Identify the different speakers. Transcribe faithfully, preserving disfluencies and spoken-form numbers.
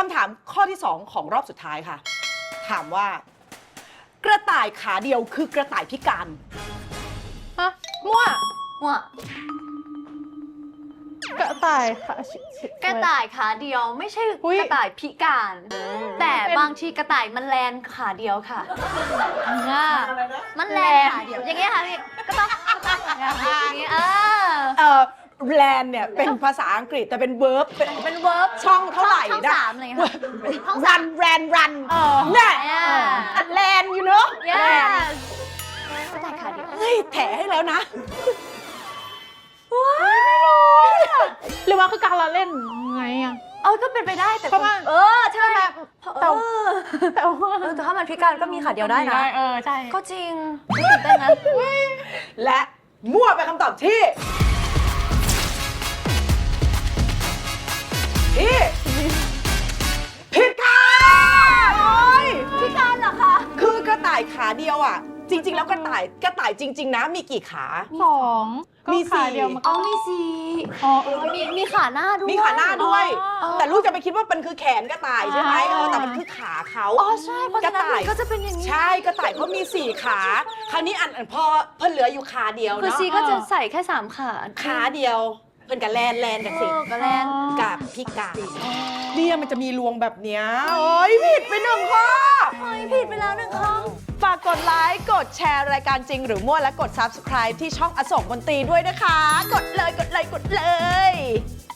Speaker 1: ำถามข้อที่สองของรอบสุดท้ายค่ะ ถามว่า กระต่ายขาเดียวคือกระต่ายพิการ
Speaker 2: ฮะมั่ว
Speaker 3: ว่าก
Speaker 2: ระต่ายค่ะชิชิ
Speaker 3: กระต่ายขาเดียวไม่ใช่
Speaker 2: อุ๊ย
Speaker 3: กระต่ายพิการ แต่
Speaker 2: เป็น
Speaker 3: บางทีกระต่ายมันแลนขาเดียวค่ะอ่ามันแลนขาเดียว อย่างเงี้ยค่ะพี่ก็ต้องก็ต้องอย่างเงี้ยเออ
Speaker 1: เอ่อแลนเนี่ยเป็นภาษาอังกฤษแต่เป็นเวิร์บเป็น
Speaker 3: เป็นเวิร์บ
Speaker 1: ช่องเท่าไหร่
Speaker 3: ช่อง
Speaker 1: นะ
Speaker 3: สามอะไรอย่างเงี้ยค่ะช่องสา
Speaker 1: รั
Speaker 3: ม
Speaker 1: นแรนรัน
Speaker 2: เออ
Speaker 1: เนี่ย
Speaker 3: Yeah
Speaker 1: แลนอยู่เนาะ
Speaker 3: yes กระต่ายขาเดียว
Speaker 1: เฮ้ยแถให้แล้วนะ
Speaker 2: หรือว่าคือการละเล่นไงอะ
Speaker 3: เออก็เป็นไปได้แต่
Speaker 2: เพราะว่า
Speaker 3: เออใช่
Speaker 2: แต่
Speaker 3: เออ
Speaker 2: แต่ว่า
Speaker 3: เออแต่ถ้ามันพิการก็มีขาเดียวได้นะ
Speaker 2: เออใช่
Speaker 3: ก็จริงไม่ตื่นเต้นนะ
Speaker 1: และมั่วเป็นคำตอบที่ที่ผิดค่ะโอ้ย
Speaker 3: พิการเหรอคะ
Speaker 1: คือกระต่ายขาเดียวอ่ะ จริง ๆ แล้วกระต่ายกระต่ายจริง ๆ นะมีกี่ขา
Speaker 2: สองก็
Speaker 1: มีสี่
Speaker 2: ขาเดียวมัน
Speaker 3: อ๋
Speaker 2: ก็
Speaker 3: อมีสี
Speaker 2: อ๋อเออ
Speaker 3: มีมีขาหน้าด้วย
Speaker 1: มีขาหน้าด้วย
Speaker 2: อ๋อ
Speaker 1: แต่ลูกจะไปคิดว่ามันคือแขนกระต่ายใช่ไหม
Speaker 2: อ่า
Speaker 1: เออแต่มันคือขาเขา
Speaker 3: อ๋อใช่เพราะฉะนั้น
Speaker 1: กระต่าย
Speaker 3: มันก็จะเป็นอย่างนี้
Speaker 1: ใช่กระต่ายเขามีสี่ขา คราวนี้อันอันพอเพิ่นเหลืออยู่ขาเดียว
Speaker 3: คือ
Speaker 1: เนาะ
Speaker 3: ซีก็จะใส่แค่สามขา
Speaker 1: ขาเดียว เพิ่นกับแลนแลนกับสิ
Speaker 3: เออกับแลน
Speaker 1: กับพิการเนี่ยมันจะมีรวงแบบเนี้ยโอ้ยผิดไปหนึ่งข้อ
Speaker 3: เฮ้ยผิดไปแล้วหนึ่งครั้ง
Speaker 1: ฝากกดไลค์ กดแชร์รายการจริงหรือมั่วและกด ซับสไครบ์ ที่ช่องอโศกมนตรีด้วยนะคะ กดเลย กดเลย กดเลย